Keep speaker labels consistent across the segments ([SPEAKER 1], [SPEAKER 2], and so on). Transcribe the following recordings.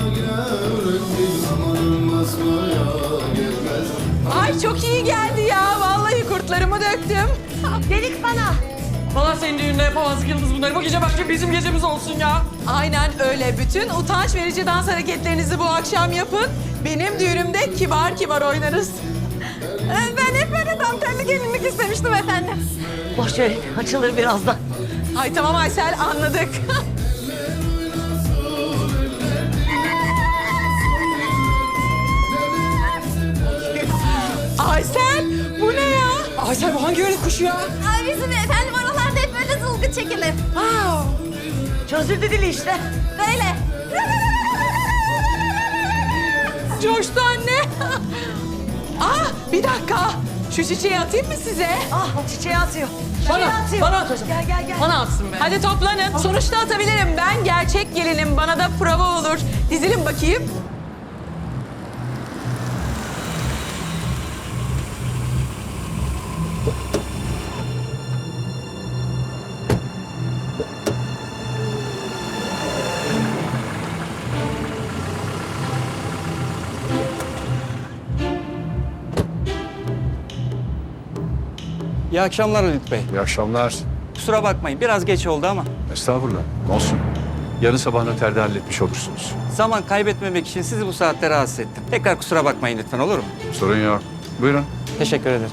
[SPEAKER 1] Ay çok iyi geldi ya. Vallahi kurtlarımı döktüm.
[SPEAKER 2] Delik bana.
[SPEAKER 3] Valla senin düğünde yapamazdık Yıldız bunları. Bu gece başka bizim gecemiz olsun ya.
[SPEAKER 1] Aynen öyle. Bütün utanç verici dans hareketlerinizi bu akşam yapın. Benim düğünümde kibar kibar oynarız.
[SPEAKER 2] Ben hep böyle dantelli gelinlik istemiştim efendim.
[SPEAKER 4] Boş verin, açılır birazdan.
[SPEAKER 1] Ay tamam Aysel, anladık. Aysel, bu ne ya?
[SPEAKER 3] Aysel bu hangi öyle kuşu ya?
[SPEAKER 2] Ay bizim efendim oralarda hep böyle zılgı çekilir.
[SPEAKER 4] Çözüldü dili işte.
[SPEAKER 2] Böyle.
[SPEAKER 1] Coştu anne. Bir dakika. Şu çiçeği atayım mı size?
[SPEAKER 4] Ah, o çiçeği atıyor.
[SPEAKER 3] Bana at hocam.
[SPEAKER 4] Gel.
[SPEAKER 3] Bana atsın be.
[SPEAKER 1] Hadi toplanın. Sonuçta atabilirim. Ben gerçek gelinim. Bana da prova olur. Dizilin bakayım.
[SPEAKER 5] İyi akşamlar Halit Bey.
[SPEAKER 6] İyi akşamlar.
[SPEAKER 5] Kusura bakmayın biraz geç oldu ama
[SPEAKER 6] Estağfurullah. Olsun. Yarın sabah noterde halletmiş olursunuz.
[SPEAKER 5] zaman kaybetmemek için sizi bu saatte rahatsız ettim. Tekrar kusura bakmayın lütfen, olur mu?
[SPEAKER 6] Sorun yok. Buyurun.
[SPEAKER 5] Teşekkür ederim.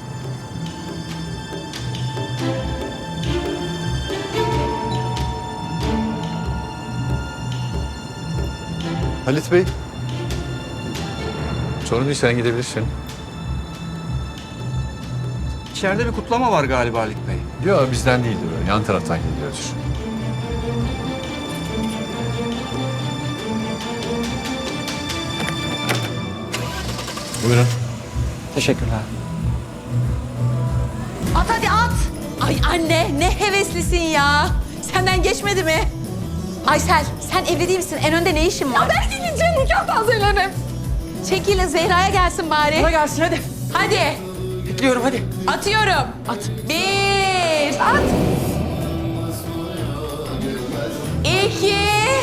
[SPEAKER 6] Halit Bey. Sorun değil, sen gidebilirsin.
[SPEAKER 5] İçeride bir kutlama var galiba Halit Bey.
[SPEAKER 6] Yok, bizden değildir o. Yan taraftan geliyordur. Buyurun.
[SPEAKER 5] Teşekkürler.
[SPEAKER 2] At hadi at.
[SPEAKER 1] Ay anne, ne heveslisin ya. Senden geçmedi mi? Aysel, sen evli değil misin? En önde ne işin var?
[SPEAKER 2] Ben gideceğim nikah tazelerim.
[SPEAKER 1] Çekilin, Zehra'ya gelsin bari.
[SPEAKER 3] Bana gelsin hadi.
[SPEAKER 1] Hadi.
[SPEAKER 3] Bekliyorum hadi.
[SPEAKER 1] Atıyorum.
[SPEAKER 3] At.
[SPEAKER 1] 1. At. 2.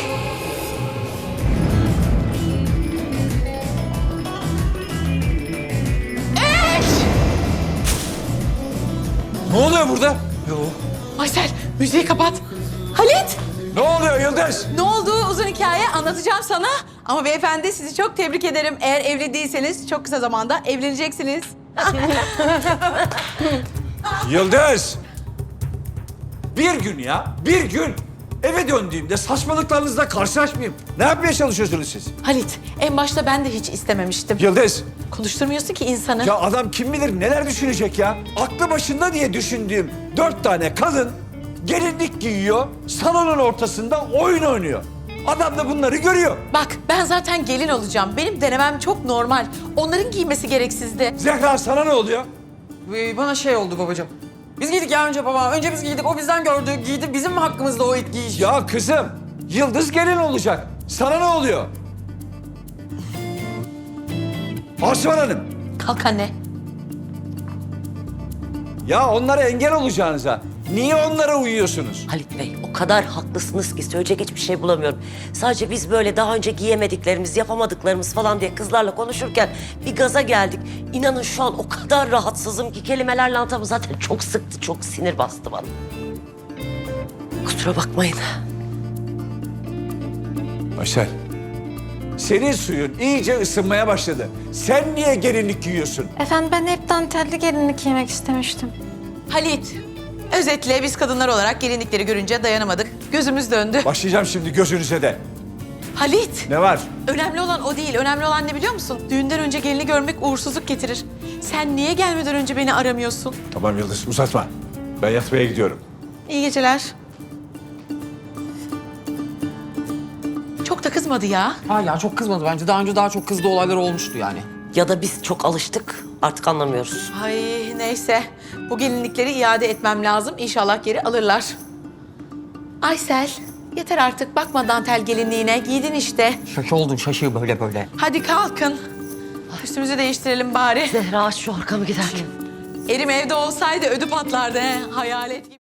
[SPEAKER 7] Ne oluyor burada?
[SPEAKER 1] Aysel, müziği kapat. Halit,
[SPEAKER 7] Ne oluyor Yıldız?
[SPEAKER 1] ne oldu? Uzun hikaye anlatacağım sana. Ama beyefendi sizi çok tebrik ederim. Eğer evli değilseniz çok kısa zamanda evleneceksiniz.
[SPEAKER 7] Yıldız! Bir gün ya, bir gün. Eve döndüğümde saçmalıklarınızla karşılaşmayayım. Ne yapmaya çalışıyorsunuz siz?
[SPEAKER 1] Halit, en başta ben de hiç istememiştim.
[SPEAKER 7] Yıldız,
[SPEAKER 1] Konuşturmuyorsun ki insanı.
[SPEAKER 7] ya adam kim bilir neler düşünecek ya? Aklı başında diye düşündüğüm 4 tane kadın gelinlik giyiyor, salonun ortasında oyun oynuyor. Adam da bunları görüyor.
[SPEAKER 1] Bak, ben zaten gelin olacağım. Benim denemem çok normal. Onların giymesi gereksizdi.
[SPEAKER 7] Zehra sana ne oluyor?
[SPEAKER 3] Bana şey oldu babacığım. Biz giydik ya önce baba. Önce biz giydik. O bizden gördü. Giydi. Bizim mi hakkımızda o ilk giyiş?
[SPEAKER 7] Ya kızım, Yıldız gelin olacak. Sana ne oluyor? Asuman Hanım,
[SPEAKER 1] Kalk anne.
[SPEAKER 7] ya onlara engel olacağınıza niye onlara uyuyorsunuz?
[SPEAKER 4] Halit Bey, o kadar haklısınız ki söyleyecek hiçbir şey bulamıyorum. Sadece biz böyle daha önce giyemediklerimiz, yapamadıklarımız falan diye kızlarla konuşurken bir gaza geldik. İnanın şu an o kadar rahatsızım ki kelimeler lantamı zaten çok sıktı, çok sinir bastı bana. Kusura bakmayın.
[SPEAKER 7] Aysel, senin suyun iyice ısınmaya başladı. Sen niye gelinlik giyiyorsun?
[SPEAKER 2] Efendim ben hep dantelli gelinlik giymek istemiştim.
[SPEAKER 1] Halit, özetle biz kadınlar olarak gelinlikleri görünce dayanamadık. Gözümüz döndü.
[SPEAKER 7] Başlayacağım şimdi gözünüze de.
[SPEAKER 1] Halit,
[SPEAKER 7] Ne var?
[SPEAKER 1] önemli olan o değil. Önemli olan ne biliyor musun? Düğünden önce gelini görmek uğursuzluk getirir. Sen niye gelmeden önce beni aramıyorsun?
[SPEAKER 7] Tamam Yıldız, uzatma. Ben yatmaya gidiyorum.
[SPEAKER 1] İyi geceler. Çok da kızmadı ya.
[SPEAKER 3] Hala çok kızmadı bence. Daha önce daha çok kızdığı olaylar olmuştu yani.
[SPEAKER 4] Ya da biz çok alıştık, artık anlamıyoruz.
[SPEAKER 1] Ay neyse. Bu gelinlikleri iade etmem lazım. İnşallah geri alırlar. Aysel, yeter artık. Bakma dantel gelinliğine. Giydin işte.
[SPEAKER 3] Şaşı oldun şaşı böyle böyle.
[SPEAKER 1] Hadi kalkın. Üstümüzü değiştirelim bari.
[SPEAKER 4] Zehra aç şu arkamı giderken.
[SPEAKER 1] Erim evde olsaydı ödü patlardı he. Hayalet gibi.